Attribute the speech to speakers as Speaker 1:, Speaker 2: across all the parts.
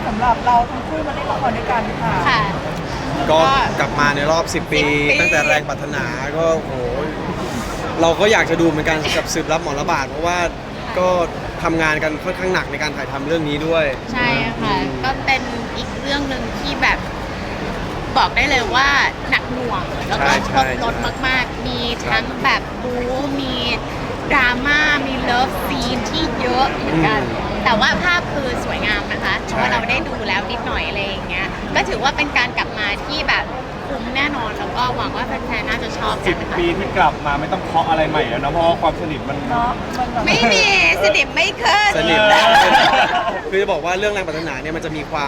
Speaker 1: สำหรับเราทั้งคู่มาเล่นละครด้วยกันค่ะ
Speaker 2: ค่ะ
Speaker 3: ก็กลับมาในรอบ 10 ปี ตั้งแต่แรงปรารถนาก็โหเราก็อยากจะดูเหมือนกันกับสืบรับหมอระบาดเพราะว่าก็ทำงานกันค่อนข้างหนักในการถ่ายทำเรื่องนี้ด้วย
Speaker 2: ใช่ค่ะ ก็เป็นอีกเรื่องหนึ่งที่แบบบอกได้เลยว่าหนักหน่วง แล้วก็ครบรถมากๆ มีทั้งแบบบู๊มีดราม่า มีเลิฟซีนที่เยอะเหมือนกัน แต่ว่าภาพคือสวยงามนะคะ เพราะว่าเราได้ดูแล้วนิดหน่อยอะไรอย่างเงี้ย ก็ถือว่าเป็นการกลับมาที่แบบคุ้มแน่นอน แล้วก็หวังว่าแฟนๆ น่าจะชอบกันนะคะ
Speaker 4: 10 ปีที่กลับมาไม่ต้องเคาะอะไรใหม่แล้วนะเพราะว่าความสนิทมัน
Speaker 1: เนาะมันแบบ
Speaker 2: ไม่มีสนิทไม่ขึ้น
Speaker 3: สนิทคือจะบอกว่าเรื่องแรงปรารถนาเนี่ยมันจะมีความ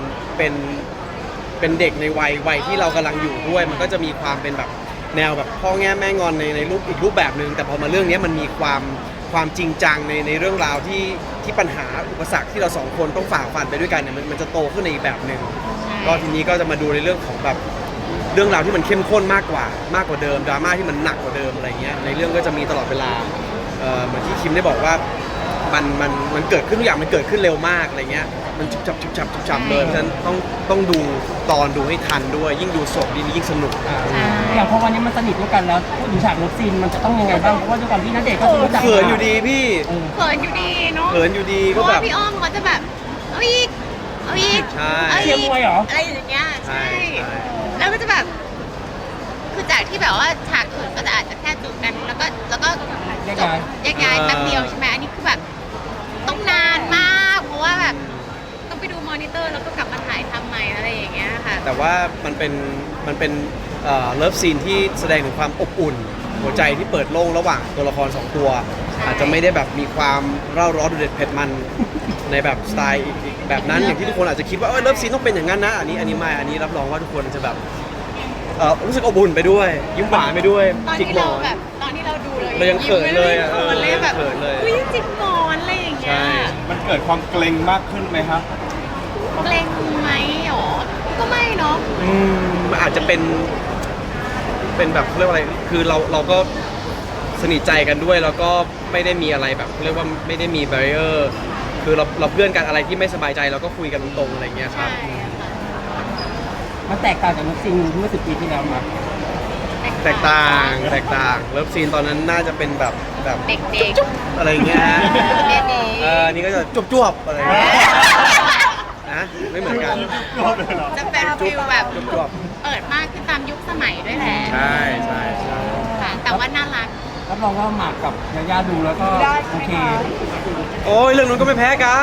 Speaker 3: เป็นเด็กในวัยที่เรากำลังอยู่ด้วย มันก็จะมีความเป็นแบบแนวแบบพ่อแง่แม่งอนในรูปอีกรูปแบบหนึ่งแต่พอมาเรื่องนี้มันมีความจริงจังในเรื่องราวที่ปัญหาอุปสรรคที่เราสองคนต้องฝ่าฟันไปด้วยกันเนี่ยมันจะโตขึ้นในอีกแบบหนึ่งก็ทีนี้ก็จะมาดูในเรื่องของแบบเรื่องราวที่มันเข้มข้นมากกว่าเดิมดราม่าที่มันหนักกว่าเดิมอะไรเงี้ยในเรื่องก็จะมีตลอดเวลาเหมือนที่คิมได้บอกว่ามันเกิดขึ้นทุกอย่างมันเกิดขึ้นเร็วมากอะไรเงี้ยมันฉุบฉับเลยเพราะฉะนั้นต้องดูตอนดูให้ทันด้วยยิ่งดูสดยิ่งสนุก
Speaker 5: อย่างพอวันนี้มันสนิทด้วยกันแล้วพูดถึงฉากเลิฟซีนมันจะต้องยังไงบ้างเพราะว่าด้วยความที่ณเดชน์ก็รู้จัก
Speaker 3: เขินอยู่ดีพี่
Speaker 2: เขินอยู่ดีเนาะ
Speaker 3: เขินอยู่ดี
Speaker 2: เพ
Speaker 3: ก็
Speaker 2: ราะ
Speaker 3: แบ
Speaker 2: ว่า
Speaker 3: บ
Speaker 2: พี่อ้อมเขาจะแบบเอาอีกเอาอีก
Speaker 3: ใช่
Speaker 2: เอา
Speaker 5: เชียร์มวยเหรอ
Speaker 2: อะไรอย่างเงี้ย
Speaker 3: ใช่
Speaker 2: ใช่แล้วก็จะแบบคือจากที่แบบว่าฉากอื่นก็จะอาจจะแค่จูบกันแล้วก็
Speaker 5: แยก
Speaker 2: จบ
Speaker 5: ย้าย
Speaker 2: แยกย้ายแป๊บเดียวใช่ไหมอันนี้คือแบบต้องนานมากเพราะว่าแบบต้องไปดูมอนิเตอร์แล้วก็กลับมาถ่ายทำใหม่อะไรอย่างเงี้ยค่ะ
Speaker 3: แต่ว่ามันเป็นเลิฟซีนที่แสดงถึงความอบอุ่น หัวใจที่เปิดโล่งระหว่างตัวละครสองตัว
Speaker 2: ใช่
Speaker 3: อาจจะไม่ได้แบบมีความเร่าร้อนดุเด็ดเผ็ดมันในแบบสไตล์อีกแบบนั้นอย่างที่ทุกคนอาจจะคิดว่าเลิฟซีนต้องเป็นอย่างนั้นนะอันนี้ไม่อันนี้รับรองว่าทุกคนจะแบบรู้สึกอบอุ่นไปด้วยยิ้มหวานไปด้วย
Speaker 2: ตอน
Speaker 3: จิก
Speaker 2: ที่
Speaker 3: หม
Speaker 2: เรา
Speaker 3: อน
Speaker 2: แบบตอนที่เราดูเลย
Speaker 3: เรายังเขินเลยอะ
Speaker 2: เขินเลยแบบ
Speaker 3: เขินเลย
Speaker 2: อุ้ยจิกหมอนอะไรอย่างเงี้ย
Speaker 3: ใช่
Speaker 4: มันเกิดความเกรงมากขึ้นไหมครับ
Speaker 2: เกรงไหมหรอก็ไม่เนาะ
Speaker 3: มันอาจจะเป็นแบบเขาเรียกว่าอะไรคือเราก็สนิทใจกันด้วยแล้วก็ไม่ได้มีอะไรแบบเขาเรียกว่าไม่ได้มีแบรีเออร์คือเราเพื่อนกันอะไรที่ไม่สบายใจเราก็คุยกันตรงๆอะไรเงี้ยครั
Speaker 2: ใช่
Speaker 3: บ
Speaker 2: ค่ะ
Speaker 5: มันแตกต่างจากเลิฟซีนเมื่อ10 ปีที่แล้วมา
Speaker 3: แตกต่างเลิฟซีนตอนนั้นน่าจะเป็นแบบ
Speaker 2: เด็ก
Speaker 3: อะไรเงี้ยฮะ
Speaker 2: ๆเด็กๆ
Speaker 3: นี่ก็จะจวบๆอะไรเงี้ยนะไม่เหมือนกัน
Speaker 2: จะเป็นฟิลแบบ
Speaker 3: จวบ
Speaker 2: เปิดมากขึ้นตามยุคสมัยด้วยแหละ
Speaker 3: ๆใช่ใช่
Speaker 2: ค่ะ แต่ว่าน่ารัก
Speaker 5: รับรองว่าหมากกับยาย่าดูแล้วก็
Speaker 1: ได้
Speaker 5: โอ
Speaker 1: ใช่ไหม
Speaker 5: เค
Speaker 1: คะ
Speaker 3: โอ้ยเรื่องนู้นก็ไม่แพ้กัน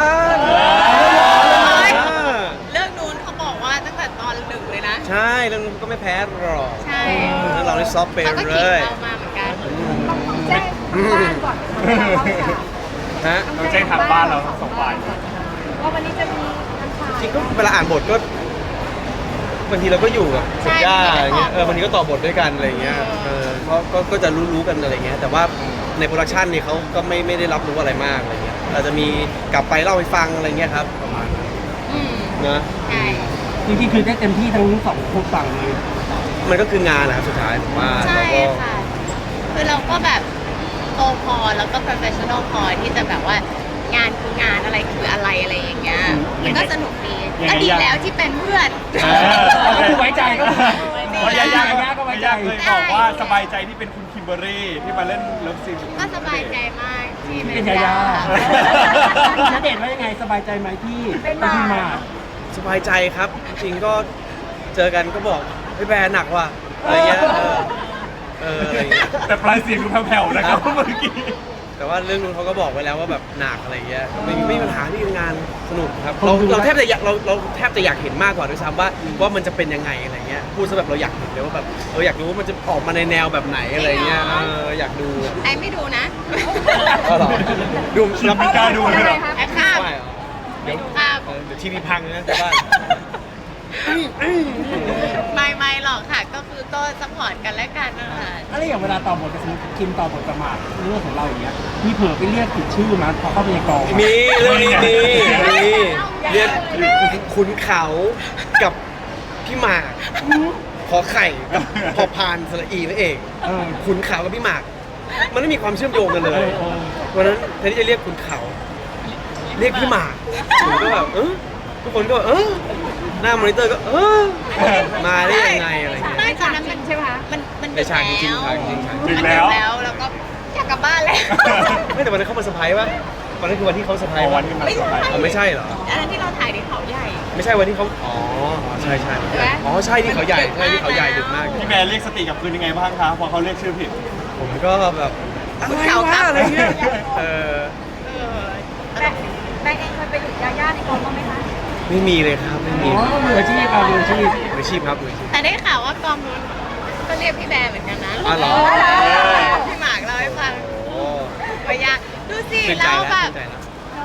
Speaker 2: เรื่องนู้นเขาบอกว่าตั้งแต่ตอนหนึ่งเลยนะ
Speaker 3: ใช่เรื่องนู้นก็ไม่แพ้หรอก
Speaker 2: ใช่
Speaker 3: แล้วเราได้ซอฟต์ไป
Speaker 2: เขาก็
Speaker 3: เล
Speaker 2: ขิง
Speaker 3: ย
Speaker 2: เรามาเหมือนกัน
Speaker 1: ต้องแจ้งทางบ้านก่อนนะคะ
Speaker 3: ฮะ
Speaker 4: ต้องแจ้งทางบ้านเราทั้งสองฝ่าย
Speaker 1: ว่าวันนี้จะมีอันถ่าย
Speaker 3: จริงก็เวลาอ่านบทก็บางทีเราก็อยู่กับคุณย่าอะไรเงี้ยบางทีก็ต่อบทด้วยกันอะไรเงี้ยก็จะรู้กันอะไรเงี้ยแต่ว่าในโปรดักชันนี่เขาก็ไม่ได้รับรู้อะไรมากอะไรเงี้ยเราจะมีกลับไปเล่าให้ฟังอะไรเงี้ยครับประมาณ
Speaker 2: อืม
Speaker 3: นะ
Speaker 2: ใช่
Speaker 5: จริงๆคือได้เต็มที่ทั้งสองฝั่งเลย
Speaker 3: มันก็คืองานนะครับสุดท้ายผมว่า
Speaker 2: ใช่
Speaker 3: เราก็
Speaker 2: ค่ะ คือเราก็แบบโตพอแล้วก็ professional พอที่จะแบบว่างานคืองานอะไรคืออะไรอะไรอย่างเงี้ยมันก็สนุกดีก็ดีแล้วที่เป็นเพื่อน
Speaker 5: ก็คือไว้ใจก็คือ
Speaker 4: เพราะยาย่า
Speaker 5: ก็ไว้ใจ
Speaker 4: เคยบอกว่าสบายใจที่เป็นคุณคิมเบอร์รี่ที่มาเล่นเลิฟซีน
Speaker 2: ก็สบายใจมากที่
Speaker 5: เป็นยาย่าณเดชน์ว่ายังไงสบายใจไหมที่เป็นพี่หมาก
Speaker 3: สบายใจครับ จริงก็เจอกันก็บอกพี่แบร์หนักว่ะอะไรเงี้ยอะไรเงี้ย
Speaker 4: แต่ปลายเสียงดูแผ่วๆนะครับเมื่อกี้
Speaker 3: แต่ว่าเรื่องนู้นเขาก็บอกไว้แล้วว่าแบบหนักอะไรเงี้ยไม่มีปัญหาที่งานสนุกครับเราแทบจะอยากเราแทบจะอยากเห็นมากกว่าด้วยซ้ำว่ามันจะเป็นยังไงอะไรเงี้ยพูดซะแบบเราอยากเห็นเลยว่าแบบอยากรู้ว่ามันจะออกมาในแนวแบบไหนอะไรเงี้ยอยากดู
Speaker 2: ไอ้ไม่ดูนะ
Speaker 3: ก็หรอดู
Speaker 4: เราไม่กล้าดูเลยเหรอ
Speaker 2: ไอ้ข้าม
Speaker 3: ไม่เหรอ
Speaker 2: ไม่ดูข้าม
Speaker 3: เดี๋ยวทีวีพังนะแต่ว่า
Speaker 2: ไม่หรอกค่ะ ก็คือก็สปอร์ตกันและกันนะคะ
Speaker 5: อะไรอย่างเวลาต่อบทกับสมมติคิมต่อบทกับหมากเรื่องของเราอย่างเงี้ยมีเผลอไปเรียกผิดชื่อมาพอเข้าไปในกอง
Speaker 3: มีเรื่องนี้มีเรียกขุนเขากับพี่หมากขอไข่กับพอพานสระอีนั่นเองขุนเขากับพี่หมาก มันไม่มีความเชื่อมโยงกันเลยวันนั้นแทนที่จะเรียกขุนเขา เรียกพี่หมากผมก็แบบทุกคนก็หน้ามอนิเตอร์ก็มาได้ยังไงอะไรเงี้ย
Speaker 2: ไม่ตอนนั้นมันใช่ไหมมัน
Speaker 3: ในฉากจริงๆครับจริงๆครับ
Speaker 2: มันดึกแล้วก็อยากกลับบ้านแล้ว
Speaker 3: ไม่แต่วันนั้นเขามาเซอร์ไพรส์ป่ะวันนั้นคือวันที่เขาเซอร์ไพรส์
Speaker 4: วั
Speaker 3: ป่ะ
Speaker 4: นที่มัน
Speaker 2: ไม่
Speaker 4: ส
Speaker 2: ใช่
Speaker 4: บาย
Speaker 3: อ๋อไม่ใช่เหรอ
Speaker 2: อันนั้นที่เราถ่ายในเขาใหญ่
Speaker 3: ไม่ใช่วันที่เขาใช่ใช่
Speaker 2: ใช่ไหม
Speaker 3: อ๋อใช่ที่เขาใหญ่ใช่ที่เขาใหญ่ดึกมาก
Speaker 4: พี่แบร์เรียกสติกลับคืนยังไงบ้างคะพอเขาเรียกชื่อผิด
Speaker 3: ผมก็แบบอะไรวะอะไรเงี้ย
Speaker 1: แบงค์เองเคยไปอยู่ยาย่าในกองบ้างไหมคะ
Speaker 3: ไม่มีเลยครับไม่มี
Speaker 5: อ๋อมืออาชีพมืออาชีพ
Speaker 3: มืออาชีพครับมืออาชีพ
Speaker 2: แต่ได้ข่าวว่ากองนู้นก็เรียกพี่แบร์เหมือนกันนะ
Speaker 3: อ๋อเหรอ
Speaker 2: พี่หมากเล่าให้ฟัง
Speaker 3: โอ้
Speaker 2: ว่ายาดูสิ
Speaker 3: ชื่นใจ
Speaker 2: เรา
Speaker 3: แล้ว
Speaker 2: แบบ
Speaker 3: ชื่นใจแล้ว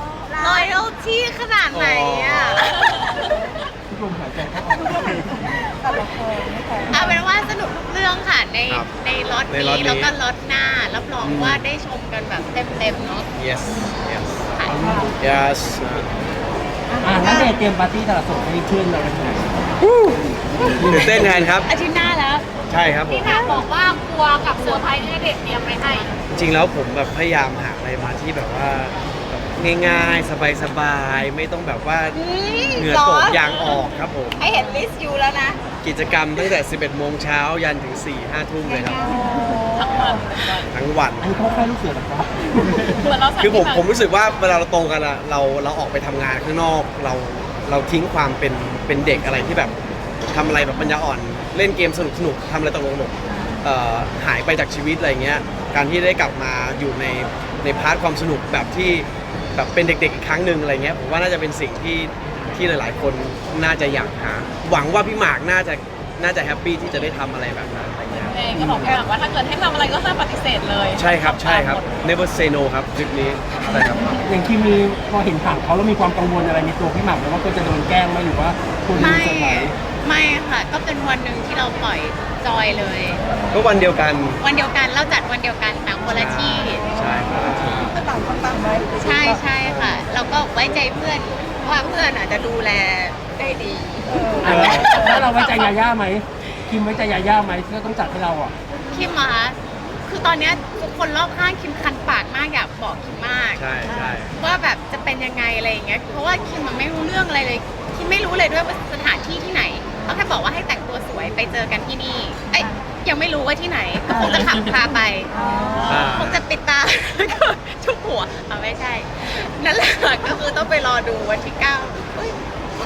Speaker 2: loyalty ขนาดไหนอ่ะ
Speaker 5: ทุกลมหายใจเข้าออก
Speaker 1: แต่ละคนไม่แพ้
Speaker 2: เอาเป็นว่าสนุกทุกเรื่องค่ะใน
Speaker 3: ครับ
Speaker 2: ในรถ
Speaker 3: ในรถ
Speaker 2: นี้
Speaker 3: นี้
Speaker 2: แล้วก็รถหน้ารับรองว่าได้ชมกันแบบเต็มๆเนาะ
Speaker 3: yes yes
Speaker 2: ค่ะ
Speaker 3: yes
Speaker 5: แล้วเดทเตรียมปาร์ตี้ตลาดสดให้เพื่อนเราไปที่ไหน
Speaker 3: ตื่นเต้นแทนครับ
Speaker 2: อาทิตย์หน้าแล้ว
Speaker 3: ใช่ครับผม
Speaker 1: พี่ถามบอกว่ากลัวกับเซอร์ไพรส์ที่ณเด็กเตรียมไปให้
Speaker 3: จริงๆแล้วผมแบบพยายามหาอะไรมาที่แบบว่าแบบง่ายๆ สบายๆ ไม่ต้องแบบว่าเหงื่อตกยางออกครับผม
Speaker 2: ไอเห็นลิสต์อยู่แล้วนะ
Speaker 3: กิจกรรมตั้งแต่ 11 โมงเช้ายันถึง 4-5 ทุ่มเลยครับ ทั้งวัน
Speaker 5: อันนี้เขาแค่ลูกเสือหรอครับ
Speaker 3: คือผมรู้สึกว่าเวลาเราโตกันอะเราออกไปทำงานข้างนอกเราทิ้งความเป็นเด็กอะไรที่แบบทำอะไรแบบปัญญาอ่อนเล่นเกมสนุกทำอะไรตลกๆหายไปจากชีวิตอะไรเงี้ยการที่ได้กลับมาอยู่ในพาร์ทความสนุกแบบที่แบบเป็นเด็กๆอีกครั้งหนึ่งอะไรเงี้ยผมว่าน่าจะเป็นสิ่งที่หลายๆคนน่าจะอยากหาหวังว่าพี่หมากน่าจะแฮปปี้ที่จะได้ทำอะไรแบบนั้นอะไรเงี้ย
Speaker 1: เองก็บอกพี่หมากว่าถ้าเกิดให้ทำอะไรก็ห้ามปฏิเสธเลย
Speaker 3: ใช่ครับ never say no ครับทริปนี้ใช่ครับ
Speaker 5: อย่างคิมมีพอเห็นข่าวเขาแล้วมีความกังวลอะไรในตัวพี่หมากไหมว่าก็จะโดนแกล้งไหมหรือว่าคุณจะ
Speaker 2: ไม่
Speaker 5: มีเซอร์ไพรส์
Speaker 2: ไม่ค่ะ ก็เป็นวันหนึ่งที่เราปล่อยจอยเลย
Speaker 3: ก็วันเดียวกัน
Speaker 2: วันเดียวกันเราจัดวันเดียวกันต่างคนละที่
Speaker 3: ใช่ครับ
Speaker 1: ก็ต่างคนต่างไว้
Speaker 2: ใช่ใช่ค่ะ เราก็ไว้ใจเพื่อนว่าเพื่อนอาจจะดูแลได้ดี
Speaker 5: แล้วเราไว้ใจยาย่าไหมคิมไว้ใจยาย่าไหมที่เขาต้องจัดให้เราอ่ะ
Speaker 2: คิมอะคะคือตอนเนี้ยทุกคนรอบข้างคิมคันปากมากอยากบอกคิมมาก
Speaker 3: ใช่ใช่
Speaker 2: ว่าแบบจะเป็นยังไงอะไรอย่างเงี้ย เพราะว่าคิมมันไม่รู้เรื่องอะไรเลย คิมไม่รู้เลยด้วยว่าสถานที่ที่ไหนเขาแค่บอกว่าให้แต่งตัวสวยไปเจอกันที่นี่ เอ้ยยังไม่รู้ว่าที่ไหน ก็คงจะขับพาไป คงจะปิดตา แล้วก็ชุบหัวเอาไม่ใช่ นั่นแหละก็คือต้องไปรอดูวันที่9เฮ้ย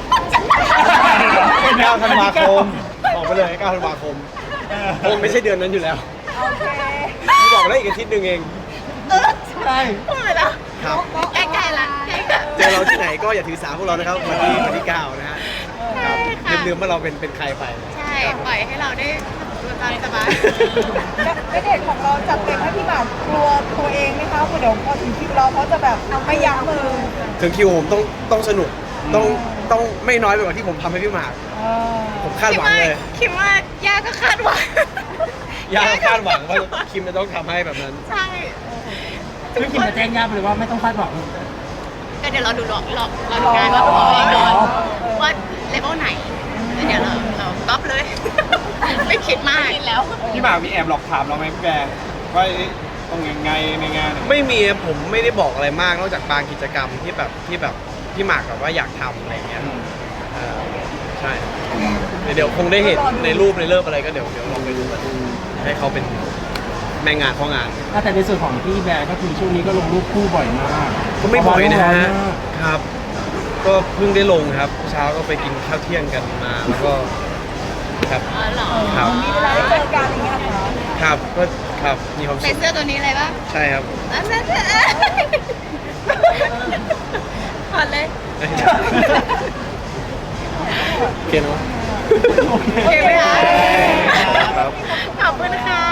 Speaker 3: 9 ธันวาคมบอกไปเลย 9 ธันวาคมคงไม่ใช่เดือนนั้นอยู่แล้ว
Speaker 1: โอเค
Speaker 3: พี่บอกได้อีกอาทิตย์หนึ่งเอง
Speaker 5: ใช่
Speaker 2: พูดไปแล้ว
Speaker 3: ครับ
Speaker 2: ใกล้ๆละใกล้ๆละ
Speaker 3: เจอเราที่ไหนก็อย่าถือสาพวกเรานะครับวันที่9นะฮะครับ
Speaker 2: ใช่ค่ะ
Speaker 3: ลืมว่าเราเป็นใครไป
Speaker 2: ใช่ ปล่อยให้เราได้ดูตามสบาย
Speaker 1: ณเด็กของเราจัดเต็มให้พี่หมากกลัวตัวเองไหมคะเดี๋ยวพอถึงคิวเราเขาจะแบบไม่ยั้งมือ
Speaker 3: ถึงคิวผมต้องสนุกต้องไม่น้อยไปกว่าที่ผมทำให้พี่หมาก ผมคาดหวังเลย
Speaker 2: คิดว่าย่าก็คาดหวัง
Speaker 3: ย่าก็คาดหวังว่าคิมจะต้องทำให้แบบนั้น
Speaker 2: ใช่
Speaker 5: คือคิมจะแจ้งย่าไปเลยว่าไม่ต้องคาดหวัง
Speaker 2: ก็เดี๋ยวเราดูรอดูงานว่าตัวเองก่อนว่าเลเวลไหนแล้วเดี๋ยวเราก๊อปเลย ไม่คิดมากแล้ว
Speaker 4: พี่หมากมีแอบหลอกถามเราไหมพี่แบร์ว่าต้องยังไงในงาน
Speaker 3: ไม่มีผมไม่ได้บอกอะไรมากนอกจากบางกิจกรรมที่แบบพี่หมากแบบว่าอยากทำอะไรเงี้ยใช่เดี๋ยวคงได้เห็นในรูปในเลิฟอะไรก็เดี๋ยวลองไปดูกันให้เขาเป็นแม่งานพ่องาน
Speaker 5: แต่ในส่วนของพี่แบร์ก็คือช่วงนี้ก็ลงรูปคู่บ่อยมาก
Speaker 3: ก็ไม่บ่อยนะฮะ
Speaker 5: เพราว่า
Speaker 3: ครับ ก็เพิ่งได้ลงครับ เช้าก็ไปกินข้าวเที่ยงกันมาแล้วก็ครับ
Speaker 2: อ๋อเหรอ
Speaker 3: ครับ
Speaker 1: มีเวลาได้เจอกันอย่างเงี้ยค่ะ
Speaker 3: ครับก็ครับมีความ
Speaker 2: ใส่
Speaker 3: สุข
Speaker 2: เสื้อตัวนี้เลยปะ
Speaker 3: ใช่ครับ
Speaker 2: อันนั้นถอดเลย
Speaker 3: โอเคเนาะ
Speaker 2: โอเคไหมคะ
Speaker 3: ครับ
Speaker 2: ขอบคุณค่ะ